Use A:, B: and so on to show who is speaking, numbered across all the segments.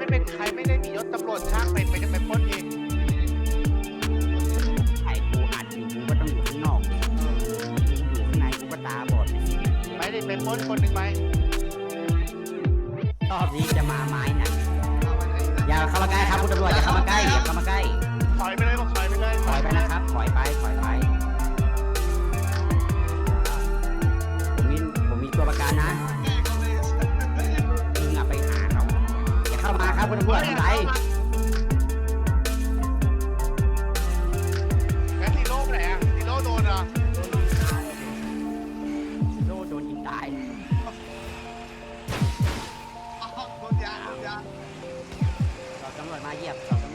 A: ไม่ได้มียศตำรวจช่างไปปล้นเอง
B: ไอ้กูอัดอยู่กูก็ต้องอยู่ข้างนอกอยู่ข้างในกูก็ตาบอด
A: ไม่ได้ไปปล้นคนหนึ่งไป
B: รอบนี้จะมาไม้หนักอย่าเข้ามาใกล้ครับคุณตำรวจอย่าเข้ามาใกล้อย่าเข้ามาใกล้
A: ถอยไปเลยบอกถอยไปเลย
B: ถอยไปนะครับถอยไปผมมีตัวประกันนะมึงอะไปหาเขาอย่าเข้ามาครับคุณตำรวจทำไร
A: แล้ซีโร่ไหนอะซีโร่โดนเหรอ
B: โดนยิงตาย
A: โดนยา
B: เราตำรวจมาเหยียบ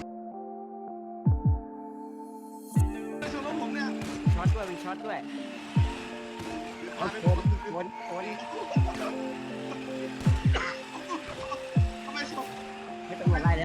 A: ชนรถผมเนี่ย
B: ช็อตด้วยมีช็อตด้วยวน
A: ทำไมชน
B: ไม่ตำรวจไล่เลย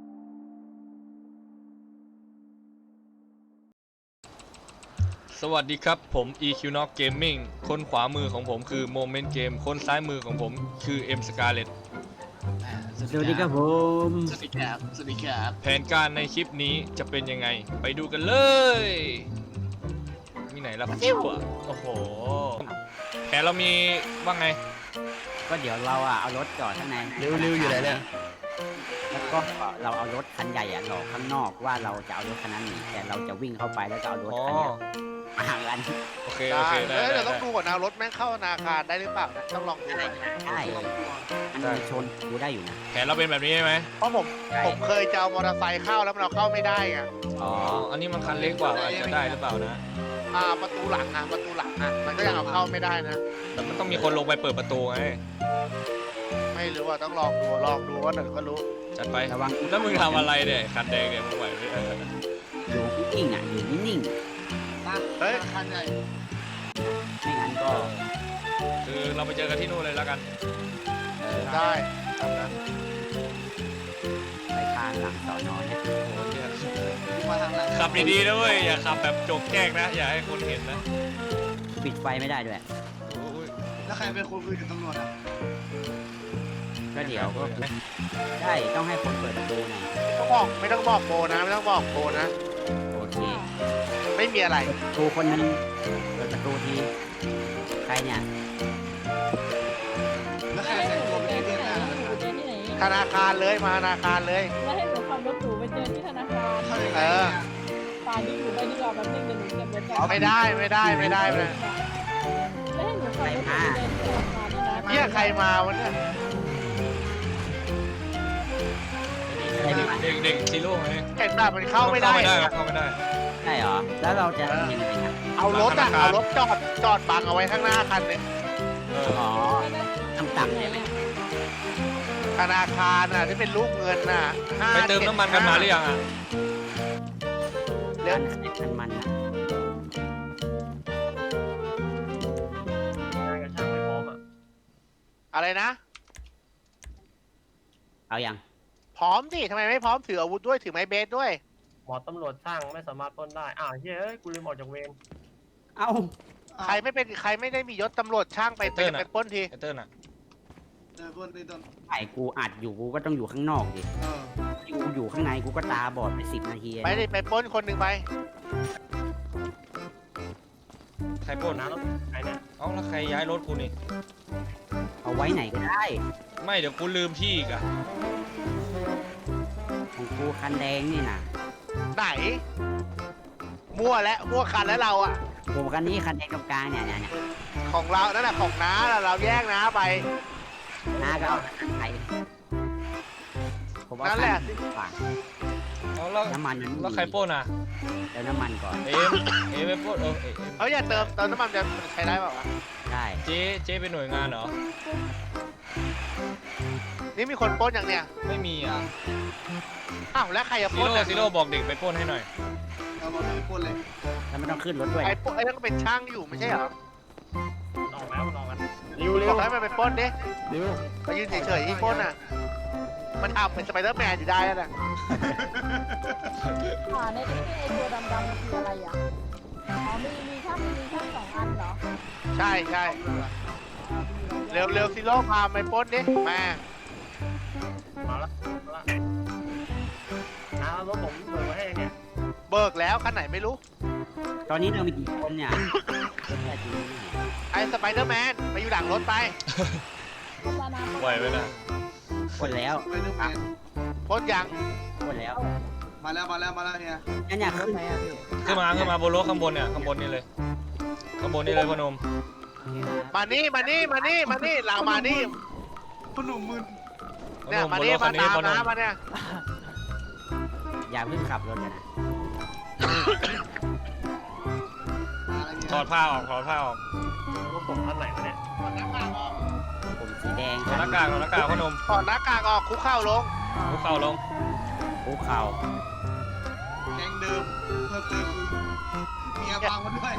C: สวัสดีครับผม EQNOC Gaming คนขวามือของผมคือ Moment Game คนซ้ายมือของผมคือ M Scarlet
B: สวัสดีครับผม
A: สวัสดีครับ
C: แผนการในคลิปนี้จะเป็นยังไงไปดูกันเลย มีไหนล่ะจิ้วอ่ะโอ้โหแผนเรามีว่าไง
B: ก็เดี๋ยวเราอะเอารถจอดข้างใน
C: เร็วอยู่ไหนเนี่ย
B: แล้วก็เราเอารถคันใหญ่อะหลอกข้างนอกว่าเราจะเอารถคันนั้นหนีแต่เราจะวิ่งเข้าไปแล้วก็เอารถ
C: อ๋อ
B: คันเนี้ยมากัน
C: โอเค
A: ได้
C: โอเคได้
A: เดี๋ยวต้
C: ได้
A: องดูก่อนนะรถแม่งเข้าธนาคารได้หรือเปล่านะต้องลองดูก่อน
B: ได้อันนี้ชนกูได้อยู่นะ
C: แผนเราเป็นแบบนี้ใช่ไหม
A: เพราะผมเคยจะเอามอเตอร์ไซค์เข้าแล้วมันเอาเข้าไม่ได้ไง
B: อ๋อ
C: อันนี้มันคันเล็กกว่าอาจจะได้หรือเปล่านะ
A: ประตูหลังมันก็ยังเอาเข้าไม่ได้นะ
C: แต่มันต้องมีคนลงไปเปิดประตูไง
A: ไม่รู้ว่าต้องลองดูว่าเดี๋ยวก็รู้
C: จัดไป
B: ระวัง
C: แล้วมึงทำอะไรเนี่ยคันแดงเนี่ยมึงไหวไหม
B: อยู่นิ่งๆอะอยู่นิ่ง
A: เฮ้ยคันใหญ่
B: ๆไม่งั้นก็
C: คือเราไปเจอกันที่นู่นเลยแล้วกัน
A: ได้ทำนะ
B: ไปทางหลังสอนอเนี่ย
A: มาทางไหน
C: ขับดีๆนะเว้ยอย่าขับแบบโจกแจ้งนะอย่าให้คนเห็นนะ
B: ปิดไฟไม่ได้ด้วย
C: โอ้ย
A: แล้วใครเป็นคนคุยกับตำรวจอ่ะ
B: ก็เดี๋ยวก็ได้ต้องให้คนเปิดประตูหน่อย
A: ไม่ต้องบอกโบนะไม่ต้องบอกโบนะ
B: โอเค
A: ไม่มีอะไร
B: ครูคนนึงเปิดประตูทีใครเนี่ย
A: แล้วใครแต่งตัวเป็นเพื่อนหน้า
D: อยู่ที่ไหน
A: ธนาคารเลยมาธนาคารเลย
D: แล้วให้หนูขับรถหรูไปเจอที่ธนาคาร ป่านี้หนูไปดีกว่าแบบนึงเดี๋ยวหนูเก็บรถก่อน
A: ไม่ได้
D: แล้วให้หนูขับรถไปเจอที่ธนาคารนี่นะ
A: เนี่ยใครมาวะเนี่ย
C: เด็กซีโร่ไง
A: เห็นแบบมันเข้าไม่ได้
C: เข้าไม่ได้
B: ได้เหรอแล้วเราจะทำยังไงอะ
A: เอารถจอดบังเอาไว้ข้างหน้าคันหนึง
B: อ๋อต่ำๆใช่ไหม
A: ธนาคารน่ะที่เป็นรูปเงินน่ะ
C: ไปเติมน้ำมันกันมาหรือยังอ่ะ
A: เดี๋ยว
B: คันมันนะ
A: อะไรนะ
B: เอายัง
A: พร้อมดิทำไมไม่พร้อมถืออาวุธด้วยถือไม้เบสด้วย
E: หมอตำรวจช่างไม่สามารถปล้นได้อ้าวเฮ้ยกูลืมออกจากเวร
B: เอ้า
A: ใครไม่ได้มียศตำรวจช่างไปปล้นที
C: ไอเติ้ลอ่ะ
B: ไอ้กูอัดอยู่กูก็ต้องอยู่ข้างนอกดิกูอยู่ข้างในกูก็ตาบอดไป10 นาที
A: ไปดิไปปล้นคนหนึ่งไป
C: ใครปล้น
E: นะแล้วใครเนี่ย
C: เอ้าแล้วใครย้ายรถกูนี่
B: เอาไว้ไหนก็ได้
C: ไม่เดี๋ยวกูลืมที่อีกอ่ะ
B: ของกูคันแดงนี่นะ
A: ไหนมั่วคันแล้วเราอ่ะ
B: ผมคันนี้คันแดงตรงกลางเนี่ย
A: ของเรานั่นแหละของน้าเราแยกน้าไป
B: น้าก็เอาคันไทยผมว่า
A: นั่นแหละ
B: ฝาก
C: เอาแล้ว
B: น้ำมัน
C: แล้วใครปล้นอ่ะ
B: เดี๋ยวน้ำมันก่อน
C: เอ็มไปปล้นเอ็ม
A: เขาอย่าเติมน้ำมันจะใช้ได้เปล่าวะ
B: ได้
C: เจ๊เป็นหน่วยงานเหรอ
A: นี่มีคนปล้นอย่างเนี้ย
C: ไม่มีอ่ะ
A: อ้าวแล้วใครจะป
C: ซี
A: ล้น
C: โร่
A: อ่ะ
C: ซีโร่บอกเด็กไปปล้นให้หน่อย
A: เอามาปล้นเลย
B: แล้วไม่ต้องขึ้นรถด้วย
A: ไอ้นั่นก็เป็นช่างอยู่ไม่ใช่เหรอ
E: ออกแล้วมันออกกันเร็วเร็
A: บ
E: ว
A: อกให้มันไปปล้นดิ
E: เร็ว
A: ไปยืนเฉยๆที่ปล้นอ่ะ มันทำเป็นสไปเดอร์แมนอยู่ได้แล้วนะ
D: ป่าในที่ไอตัวดำๆมันคืออะไรอ่ะอ๋อมีช่าง2 อันเหรอ
A: ใช่เร็วซิโร่พาไปปล้นดิมา
E: มาละมาละรถผมเปิดไว้ให้เนี่ย
A: เบิกแล้วคันไหนไม่รู้
B: ตอนนี้เรามีกี่คนเนี่ย
A: ไอ้สไปเดอร์แมนไปอยู่หลังรถไป
C: ไหวไหมนะ
B: คนแล้ว
F: ไปดูแมน
A: พ้นยัง
B: คนแล้ว
F: มาแล้วเฮีย
B: นั่นเนี่ยขึ้นไหมอ่ะพี่
C: ขึ้นมาบนรถข้างบนเนี่ยข้างบนนี่เลยข้างบนนี่เลยพนม
A: มานี่เรามานี่
F: พนุ่มมึน
C: พ
A: เนี่ย
C: นม
A: มา
C: บน
A: นี่
C: รถคั
A: มาน
C: นี้
A: ตาม
C: พนม
A: น้ำมาเนี่ย
B: อย่าเพิ่งขับรถกันนะ
F: อะไรเงี้ย
C: ถอดผ้าออก
E: รถผมคันไหนวะเนี่ย
B: ผมสีแดง
C: ถอดหน้ากากพนม
A: ถอดหน้ากากออกคุกเข่าลง
C: คุกเข่าลง
B: ภูเขา
F: แกงเดิมเพิ่มเติมคือเมียฟังมาด้วย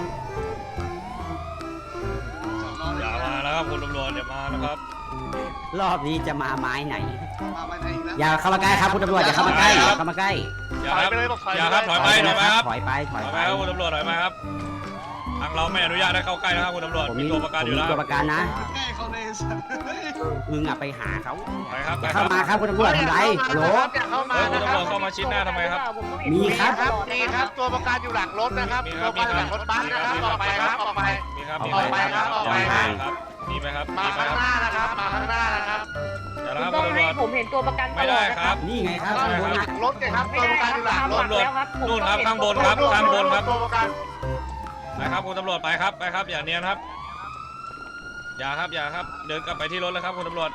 F: จอดรอเลย
C: อย่ามาแล้วครับคุณตำรวจอย่ามานะครับ
B: รอบนี้จะมาไม้ไหน
F: มาไปไหนอีกแล้ว
B: อย่าเข้ามาใกล้ครับคุณตำรวจอย่าเข้ามาใกล้อย่าเข้ามาใกล้
C: อย่า
A: ถ
C: ค
A: อย
C: รับ
A: ไปเลยบอกถอย
C: อย่าครับถอยไปครับ
B: ถอยไป
C: ถอยไปครับคุณตำรวจถอยไปครับทางเราไม่อนุญาตให้เข้าใกล้นะครับคุณตำรวจ
B: ผม
C: มี
B: มี
C: ตัวประกันอยู่แล้ว
B: ตัวประกันนะ
F: แก้เขาเลยสัตว์
B: มึงอ่ะไปหาเขา
C: ไปครับ
B: อย่าเข้ามาครับคุณตำรวจทำไรฮัลโหล
A: อย่าเข้ามา
C: คุณ
A: นะ
C: ตำ
A: ค
C: ร
A: รั
C: ว
A: บ
C: จเข้ามาชิดหน้าทำไมครับ
B: มีครับ
A: มีครับตัวประกันอยู่หลังรถนะครับตัวประกันอยู่หลังรถบัสนะครับออกไปครับออกไป
C: มีครับ
B: ออก
C: มี
B: ไป
C: ครับ
A: ออกไปครับ
C: ครับมีไหมครับ
A: มา
C: มีไหม
A: ข้าง
C: ครับ
A: หน้านะครับมาข้างหน้านะครับ
C: อย่าแล้วครับ
G: ต้อ
C: คุณ
G: ง
C: ตำร
G: ให้
C: วจ
G: ผมเห็นตัวประกันต
C: ไม่
G: ลอ
C: ได้
G: ดนะ
C: ค
G: ค
C: รั
G: รั
C: บบ
B: นี่ไงครับ
A: ข้าง
B: ข้างบน
A: หลั
B: นะ
A: งรถเนี่ยครับตัวประกันอยู่หลังรถ
C: ตำรวจ
G: แล้วครับผม
C: นู่นครับ
G: ต้องเห็
C: ข้างบนครับข้างบนครับ
A: ตัวประกัน
C: ไปครับคุณตำรวจไปครับไปครับอย่าเนียนครับ อย่าครับอย่าครับเดินกลับไปที่รถเลยครับคุณตำรวจ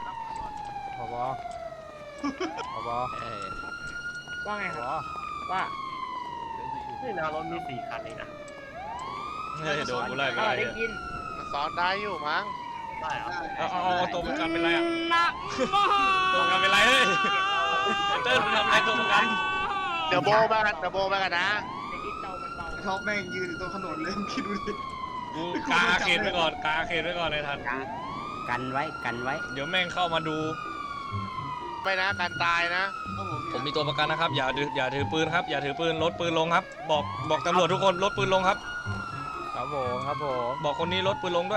G: ว่าไงครับว่า
E: นี่นะรถมี4คันเองนะ
C: เฮ้ยโดนกูไล่ไป
G: ได้
C: ไล่เนี่ย
G: ยิน
A: มันซ้อนได้อยู่มั้ง
E: ได้เหรอ
C: เอาตัวประกันเป็นไรอ่ะตัวประกันเป็นไรเฮ้ยเติ้ลทำไรตัวประกัน
A: เดี๋ยวโบมากันนะ
G: ได้ยินเตามันเบา
F: ท็อปแม่งยืนอยู่ตรงถนนเลยคิดดูดิ
C: กูกาอาเขตไว้ก่อนกาอาเขตไว้ก่อนเลยทัน
B: กันไว้
C: เดี๋ยวแม่งเข้ามาดู
A: ไม่นะการตายนะ
C: ผมมีตัวประกันนะครับอย่าถือปืนครับอย่าถือปืนลดปืนลงครับ บอกตำรวจทุกคนลดปืนลงครับ
H: ครับผม
C: บอกคนนี้ลดปืนลงด้วย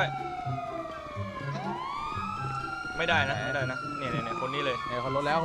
C: ไม่ได้นะเนี่ยคนนี้เลย
H: เนี่ยคนรถแล้ว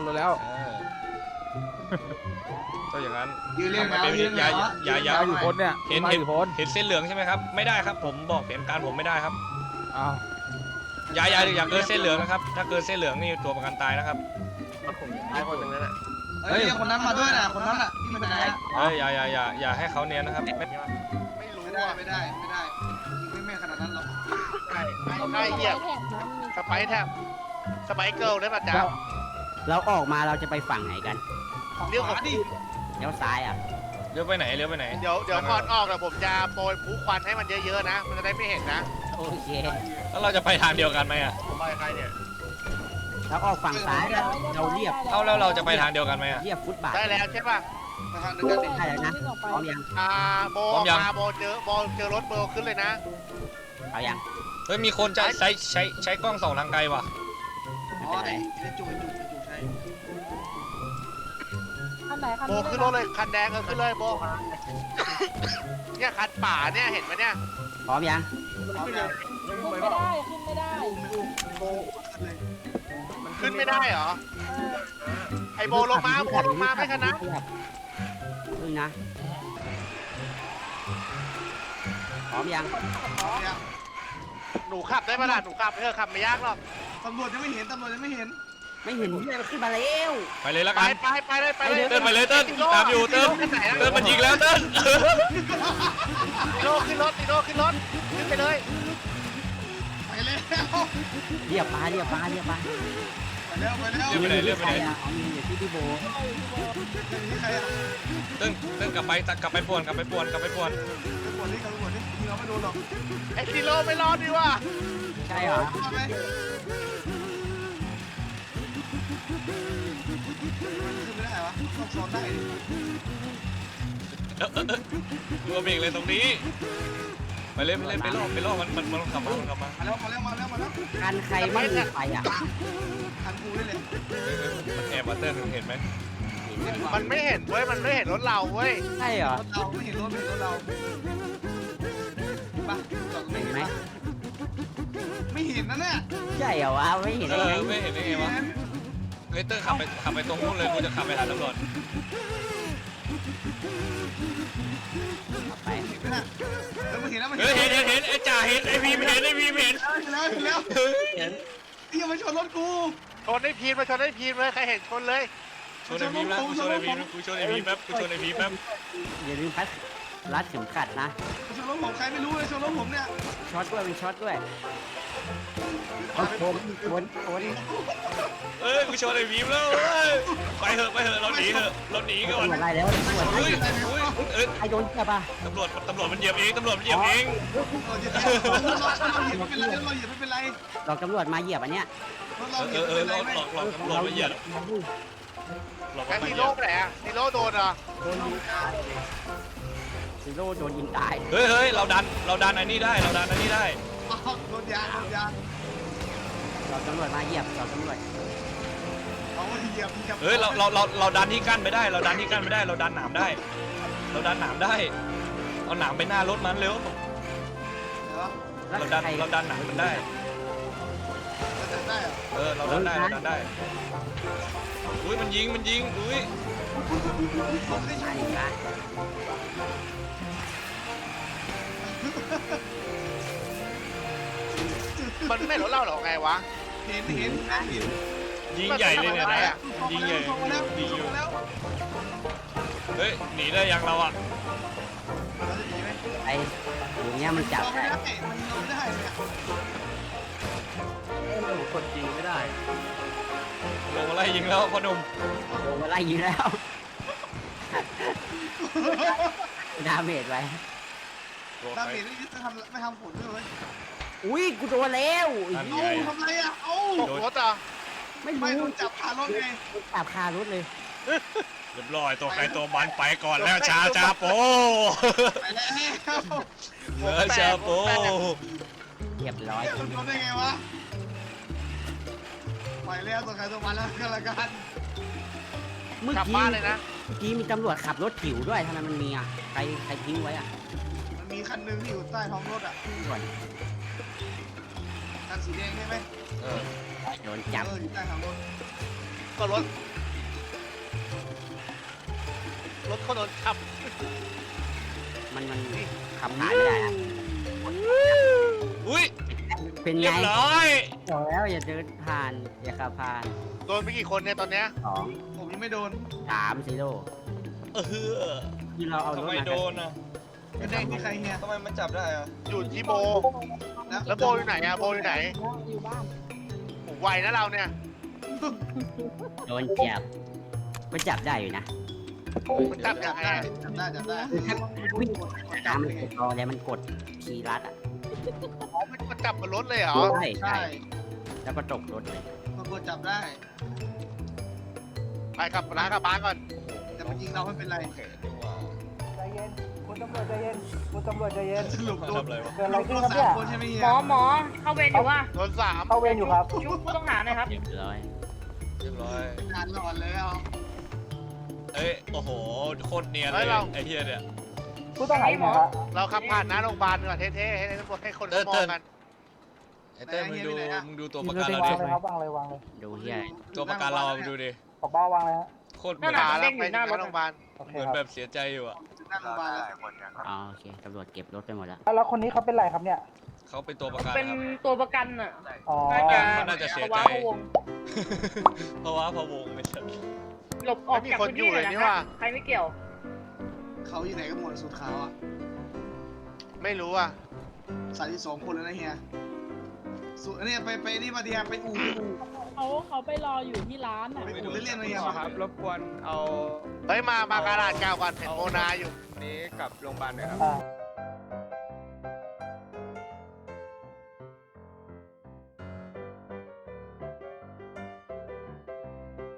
C: ก็อย่างนั้น
F: ยืนเรียง
C: ทำไม
F: แล้ว
C: เป็น
F: ยืน
C: อย่า
H: มาอยู่คนเนี่ย
C: เห็น
H: มาอยู่คน
C: เห็นเส้นเหลืองใช่ไหมครับไม่ได้ครับผมบอกเหตุการณ์ผมไม่ได้ครับ
H: อ้าว
C: อย่าเกินเส้นเหลืองนะครับถ้าเกินเส้นเหลืองนี่ตัวประกันตายนะครับ
E: รถผมท้ายคนหนึ่งนั่นแหละ
F: เฮ้ยคนนั้นมาด้วยนะคนนั้นอ่ะที่มันไหน
C: อย่าให้เขาเนียนนะครับ
A: ไม่รู้
F: ไม่ได้
A: อ่ะ
F: ไม่ได้ยิงไม่แม่ขนาดนั้นหรอก
E: ใช่
A: ได้เหยียบสไปแทบสไปเกิลได้ป่ะจ๊ะ
B: เราออกมาเราจะไปฝั่งไหนกัน
A: เลี้ยวขวาดิ
B: เลี้ยวซ้ายอ่ะ
C: เลี้ยวไปไหน
A: เดี๋ยวก่อนออกเดี๋ยวผมจะโปรยผู้ควันให้มันเยอะๆนะ มันจะได้ไม่เห็นนะ
B: โอเค
C: แล้วเราจะไปทางเดียวกันไหมอ่ะ
E: ผมไปใครเนี่ย
B: เราออกฝั่งซ้ายเราเรียบ
C: เอาแล้วเราจะไปทางเดียวกันไหมอ่ะ
B: เรียบฟุตบาท
A: ได้แล้วใช่ป่ะ
F: ไปทางเดียวกันดิ
B: ได้แล้วนะพร้อมยัง
A: โบออกมาโบเจอรถเบลขึ้นเลยนะ
B: เอายัง
C: เฮ้ยมีคนจะใช้กล้องส่องทางไกลว่ะ
F: อ๋อไอ้จุกใช่
D: คันไหนคัน
A: โบ
D: นี้
A: ขึ้นรถเลยคันแดงขึ้นเลยโบเนี่ยคันป่าเนี่ยเห็นไหมเนี่ย
B: พร้อมยัง
E: ขึ้นเลย
D: ขึ้นไม่ได้ขึ้นไม่ได้
F: โบเลย
A: ขึ้นไม่ได้เหรอไอโบลงมาไม่ชนะ
B: ขึ้นนะพร้อมยัง
A: หนูขับได้ปะล่ะหนูขับเธอขับไม่ยากหรอก
F: ตำรวจยังไม่เห็น
B: ไม่เห็นเลยมันขึ้นมาแล้ว
C: ไปเลยละ
A: ไป
C: กัน
A: เลย
C: เติ้ลไปเลยเติ้ลตามอยู่เติ้ลมันยิงแล้วเติ้ล
A: ติโน่ขึ้นรถขึ้นไปเลย
F: ไปแล้ว
B: เรียบปลา
C: เรียบไปไหน
B: มีใครอ่ะมีอยู่ที่พี่โบ
F: นี่ใครอ่ะ
C: เติ้ลกลับไปป่วน
F: ไปปวดนี่ยิงเราไม่โดนหรอก
A: ไอติโน่ไม่รอดดีว่ะ
B: ใช่เหรอ
F: มาไหมขึ้นไม่ได้วะต้องซ้อนได้
C: ดูเบรกเลยตรงนี้ไปเลยไปล่อมันขับมา
F: มาแล้ว
B: คันใครไม่มีไฟอ่ะ
F: ทันกูได้เลย
C: มันแอบมาเติ้ลเห็นไหม
A: มันไม่เห็นเว้ยมันไม่เห็นรถเราเว้ย
B: ใช่เหรอ
F: เราไม่เห็นรถเราปะจอดไม่
B: เห็
F: เห็
B: น
F: น
B: ไหม
F: ไม่เห็นนะเนี่ย
B: ใช่เหรอวะไม่เห็นได้ไง
C: ไม่เห็นได้ไงวะเฮ้ยเตอร์ขับไปตรงนู้นเลยกูจะขับไปหาตำรวจ
B: ไป
F: เห็นไหมน่ะแล้วมึงเห็นแล้วมัน
C: เฮ้ยเห็นไอ้จ่าเห็นไอ้พีมเห็นไอ้พีมเห็น
F: แล้วนี่ยังมาชนรถกู
A: ชนให้พีนมาชนให้พีนเลยใครเห็นชนเลย
C: ชนไอ้พีมแล้วกูชนไอ้พีมกูชนไอ้พีมแป๊บกูชนไอ้พีมแป๊บ
B: อย่าลืมพัดรัดเข็มขัดนะ
F: ชนรถผมใครไม่รู้เลยชนรถผมเนี่ย
B: ช็อตด้วยเป็นช็อตด้วยโคน
C: เอ้ยกูชนไอ้พีมแล้วเอ้ยไปเถอะเราหนีก่อน
B: ตำรวจไล่แล้วตำรวจไล่
C: อุ้ยเอ้ย
B: ใครโดนจับอ่ะ
C: ตำรวจมันเหยียบเองเราเหยียบไม่เป็นไร
B: เราตำรวจมาเหยียบอันเนี้ย
C: เราหลอกตำรวจมาเหยียบหลอก
A: แค่
C: มา
A: ซี
C: เหยี
A: โร่
C: ยบ
A: ไปไหนอะซีโร่โดนเหรอ
B: โดนยิงตายซีโร่โดนยิงตาย
C: เฮ้ยเราดันไอ้นี่ได้เราดันไอ้นี่ได้
F: โดนยาง
B: เราตำรวจมาเหยียบเราตำรวจ
F: เอาเหยียบ
C: เฮ้ยเราดันที่กั้นไม่ได้เราดันหนามได้เอาหนามไปหน้ารถมันเร็ว
B: แล้ว
C: เราดัน
B: ใคร
C: หนามมันได้
F: ได้เหรอ
C: เราดันได้อุ้ยมันยิงอุ้ย
B: ใช่นะ
A: มันไม่รถเล่าหรอไงวะ
F: เห็น
C: ยิงใหญ่เลยเนี่ยนะยิงใหญ่ยิงอยู่เฮ้ยหนีได้ยังเราอ่ะ
F: เราจะหนีไหม
B: ไอ้อย่างเงี้ยมันจับ
F: เราไม่
B: ได้
F: ได้มันเราไม่ได้เนี่ย
E: กดจริงไม่ได้
C: ลงมาไล่ยิงแล้วพ่อหนุ่ม
B: โดนมาไล่ยิงแล้วดาเมจไว้
F: ดาเมจนี่จะไม่ทำผลด้วย
B: อุ้ยกูโดนแล้ว
C: นั่น
F: เอ้า
C: ไง
F: ทำไรอ่ะเอ้า
A: ตกรถอ่ะ
B: ไม่
F: ไม่โด
B: รู้
F: นจับคารถไง
B: จับคารถเลย
C: เรียบร้อยตัวใครตัวมันไปก่อนแล้วชาโป
F: ไปแล้ว
C: เหลือชาโป
B: เรียบร้อย
F: มันทำได้ไงวะไปแล้วตัวใครตัวมันแล้วกันละกัน
B: เมื่อก
A: ลับ
B: กี้
A: บ้านเลยนะ
B: เมื่อกี้มีตำรวจขับรถผิวด้วยทำไมมันมีอ่ะใครทิ้งไว้อ่ะ
F: มันมีคันนึงอยู่ใต้ท้องรถอ่ะ
B: ก่อน
F: คันสีแดงใช่ไหม
B: โดนจับ
F: อยู่ใต้ท้องรถ
A: ก็รถเขาโดนขับ
B: มันขับผ่านไม่ได้อะ
C: อุ้ย
B: เป็น
C: เรี
B: ไง
C: ยบร้อย
B: บอกแล้วอย่าเดินผ่านอย่าขับผ่าน
A: โดนไปกี่คนเนี่ยตอนเนี้ย
B: 2
F: ผมยังไม่โดน
B: 3ซีโร่ที่เราเอาร
C: ทำ
B: ถ
C: ไม
B: มา
C: โดนอ่ะ
F: ไม่ได้ที่ใครเฮีย
C: ทำไมมันจับได้อ่ะ
A: อยู่ที่โบ แล้วโบอยู่ไหนอะโบอยู่ไหน
D: อยู่บ้าน
A: โอ้ไวนะเราเนี่ย
B: โดนจับก็จับได้อยู่นะ
A: มันจับยังไงอะ
F: จับได้
B: วิ่งน้ำมันกดรอแล้วมันกดคีย์รัดอ่ะ
A: อ๋อมันจับบนรถเลยเหรอ
B: ใช่
F: ใช่
B: แล้วก็ตกรถเลย
F: มันกดจับได้
A: ไปกลับร้านกลับบ้านก่อน
F: แต่มันยิงเราไม่เป็นไร
G: ใจเย็นคุณตำรวจใจเย็นคุณตำรวจใจเย็น
F: สรุป
C: มา
F: โดน
C: ทำอะไรวะ
G: เกิดอะไรขึ้น
F: โด
G: ครับ
F: น
G: เนี่ย
F: 3 คนใช่ไหมเฮีย
G: หมอเข้าเวรอยู่ว่า
A: โดนสาม
G: เข้าเวรอยู่ครับชุบผู้ต้องหาหน่อยครับ
B: เรียบร้อย
C: เรียบร้อย
F: งานหลอนแล้ว
C: เอ้ยโอ้โหโคตรเนียนเลยไอ้เฮียเนี่ย
G: ผู้ต้องหาอยู่ไหนครับ
A: เราขับผ่านหน้าโรงพยาบาลก่อนเท่ๆให้ตำรวจให้คนเขามองกัน
C: ไอ้เต้ยมึงดูตัวประกัน
G: วา
C: เรา
G: ง
C: ดิ
G: เลยครับวางเลยวางเลย
B: ดูเฮีย
C: ตัวประกันเรามึงดูดิ
G: ขอบ้าวางเลยฮะ
C: โคตรเหมือน
A: ขาเราไปหน้าโรงพยาบาล
G: โอเค
C: เหมือน
G: ค
C: แบ
G: รับบ
C: เสียใจอยู่อ่ะ
F: หน้าโรงพยาบาลแล้ว
B: อ๋อโอเคตำรวจเก็บรถไปหมดแล้ว
G: แล้วคนนี้เขาเป็นไรครับเนี่ย
C: เขาเป็นตัวประกัน
I: เป็น
C: ครับ
I: ตัวประกันอ่ะ
G: อ๋อ
I: น่าจะ
C: เขาน่าจะเสียใจ
I: ภาวะพะวง
C: เพราะว่าพะวงไม่ใช่
I: หลบออกจากพื้นที่เลยนะครับใครไม่เกี่ยว
F: เขาอยู่ไหนกันหมดสุดขาวอ่ะ
A: ไม่รู้อ่ะ
F: 32 คนแล้วนะเฮียสุดอันนี้ไปนี่มาดีครับไปอู่
D: เขาไปรออยู่ที่ร้านอ่ะ
F: ไปอู่เล่นๆมาเฮีย
H: ครับรบกวนเอา
A: เฮ้ยมากระดาษกาวก่อนเห็นโมนาอยู่
H: นี้กลับโรงพยาบาลด้วยครับ
G: อ่า